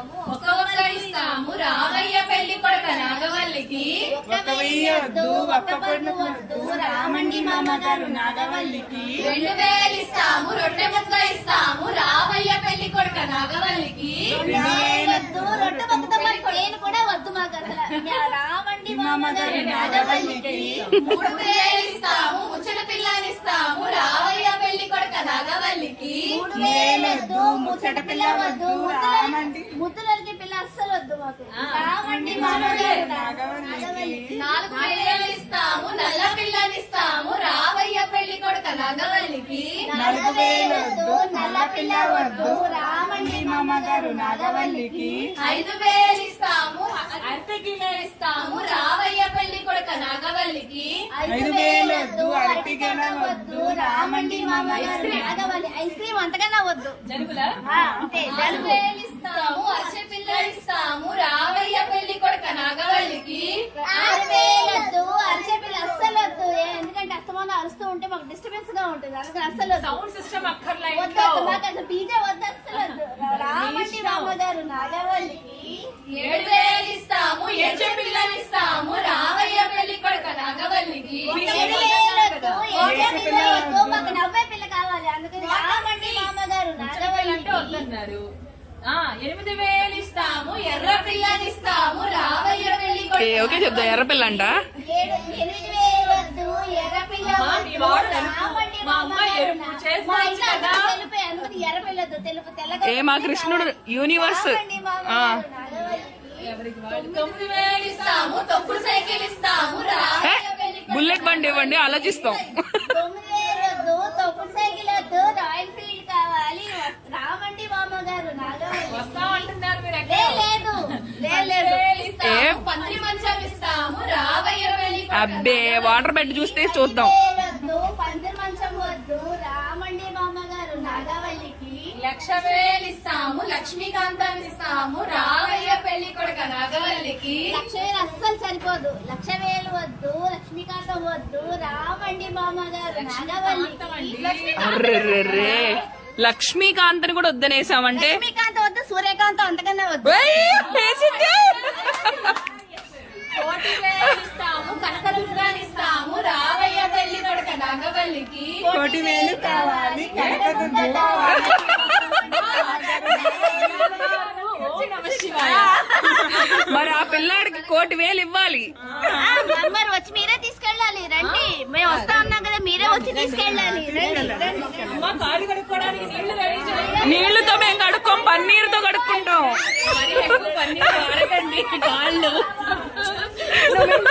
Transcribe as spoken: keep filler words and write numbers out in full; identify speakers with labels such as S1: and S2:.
S1: ఇస్తాము ఒక ఒక్క ఇస్తాము రామయ్య పెళ్లి కొడుక నాగవల్లికి
S2: ఒక వెయ్యి వద్దు ఒక్క పొద్దు వద్దు రామండి మామగారు నాగవల్లికి
S1: రెండు వేలు ఇస్తాము రొట్టె ముక్క ఇస్తాము రామయ్య పెళ్లి కొడుక నాగవల్లికి
S2: వద్దు రొట్టె ముక్కతో నేను కూడా వద్దు మాకు అసలు రామండి మామగారు నాగవల్లికి
S1: మూడు వేలు ఇస్తాము ముచ్చట పిల్లని ఇస్తాము రామయ్య పెళ్లి కొడుక నాగవల్లికి
S2: మూడు వేలు వద్దు ముచ్చట పిల్ల వద్దు రామండి
S3: ముద్దులకి పిల్ల అస్సలు వద్దు మాకు
S2: రామండి మామగారు నాగవల్లికి
S1: నాలుగు వేలు ఇస్తాము నల్ల పిల్లని ఇస్తాము రామయ్య పెళ్లి కొడుక నాగవల్లికి
S2: నాలుగు వేలు వద్దు నల్ల పిల్ల వద్దు రామండి మామగారు నాగవల్లికి
S1: ఐదు వేలు ఇస్తాము అరటి గిన్నె ఇస్తాము రామయ్య పెళ్లి కొడుక నాగవల్లికి
S2: ఐదు వేలు వద్దు అరటిగెల వద్దు రామండి మామగారు
S3: నాగవల్లి ఐస్ క్రీమ్ అంతకన్నా వద్దు అంతే
S1: నాలుగు వేలు ఇస్తాము అరటి పిల్ల ఇస్తాము రామయ్య పెళ్లి కొడుక నాగవల్లికి
S3: ఆరు వేలు వద్దు అరిసే పిల్ల అస్సలు వద్దు ఎందుకంటే అస్తమానం అరుస్తూ ఉంటే మాకు డిస్టర్బెన్స్ గా ఉంటుంది అందుకని అస్సలు
S4: సౌండ్ సిస్టమ్ అక్కర్లే
S3: వద్దు వద్దు మాకు అసలు డీజే వద్దు అస్సలు వద్దు రామండి మామగారు నాగవల్లికి
S1: ఏడు వేలు ఇస్తాము ఎడ్జ పిల్లని ఇస్తాము రామయ్య పెళ్లి కొడుక నాగవల్లికి
S3: ఏడు వేలు వద్దు ఏడే పిల్ల వద్దు మాకు నవ్వే పిల్ల కావాలి అందుకని రామండి మామగారు
S4: అంటే
S3: నాగవల్లికి
S4: వద్దన్నారు. ఆ ఎనిమిది వేలు ఇస్తాము
S1: ఎర్ర పిల్లని ఇస్తాము రామయ్య పెళ్లి కొడుక
S5: ఓకే చెప్తా ఎర్రపిల్ల అంట
S3: ఏడు ఎనిమిది వేలు వద్దు ఎర్ర పిల్ల
S4: అమ్మా, మీ
S3: వద్దు
S4: వాడు తెలుపు.
S3: రామండి
S4: మా అమ్మ
S3: మామగారు
S4: ఎరుపు
S3: నా-
S4: చేసుకోవచ్చు
S3: మా ఇంట్లో
S4: కదా.
S3: అందరూ తెలుపే అందుకని ఎర్ర పిల్ల వద్దు తెలుపు తెల్లగా
S5: ఏ మా కృష్ణుడు యూనివర్స్
S3: రామండి మామగారు నాగవల్లికి
S1: తొమ్మిది వేలు ఇస్తాము తొక్కుడు సైకిల్ ఇస్తాము రామయ్య పెళ్లి కొడుక
S5: బుల్లెట్ బండి ఇవ్వండి ఆలోచిస్తాం
S3: తొమ్మిది వేలు వద్దు తొక్కుడు సైకిల్ వద్దు రాయల్ ఫీల్డ్ కావాలి రామండి మామగారు నాగవల్లికి
S4: వస్తామంటున్నారు మీరు
S3: లే,
S4: ఎక్కడ
S3: లేదు లే, లేదు
S1: ఇస్తాము పంత్రి మంచం ఇస్తాము రామయ్య పెళ్లి కొడుక
S5: అబ్బే వాటర్ బెడ్ చూస్తే చూద్దాం
S3: వేలు వద్దు పందిరి మంచం వద్దు రామండి మామగారు నాగవల్లికి
S1: లక్ష వేలు ఇస్తాము లక్ష్మీకాంతం ఇస్తాము రామయ్య పెళ్లి కొడుక నాగవల్లికి
S3: లక్ష వేలు అస్సలు సరిపోదు లక్ష వేలు వద్దు లక్ష్మీకాంతం వద్దు రామండి మామగారు నాగవల్లికి
S5: అర్రెర్రెర్రే లక్ష్మీకాంత్ కూడా వద్దనేసామంటే
S3: లక్ష్మీకాంతం వద్దు సూర్యకాంతం అంతకన్నా వద్దు
S5: ఏయ్, వేసింది.
S1: కోటి వేలు ఇస్తాము కనకదుర్గాని ఇస్తాము రామయ్య పెళ్లి కొడుక నాగవల్లికి
S2: కోటి వేలు కావాలి కనకదుర్గ కావాలి
S5: మరి ఆ పిల్లాడికి కోటి వేలు ఇవ్వాలి
S3: మరి వచ్చి మీరే తీసుకెళ్ళాలి రండి మేము వస్తా ఉన్నాం కదా మీరే వచ్చి తీసుకెళ్ళాలి రండి రండి
S4: అమ్మ కాళ్ళు కడుక్కోవడానికి నీళ్లు రెడీ చేయండి.
S5: నీళ్లతో మేము కడుక్కోం పన్నీరుతో కడుక్కుంటాం
S4: మరి ఎక్కువ పన్నీరు వాడకండి కాళ్ళు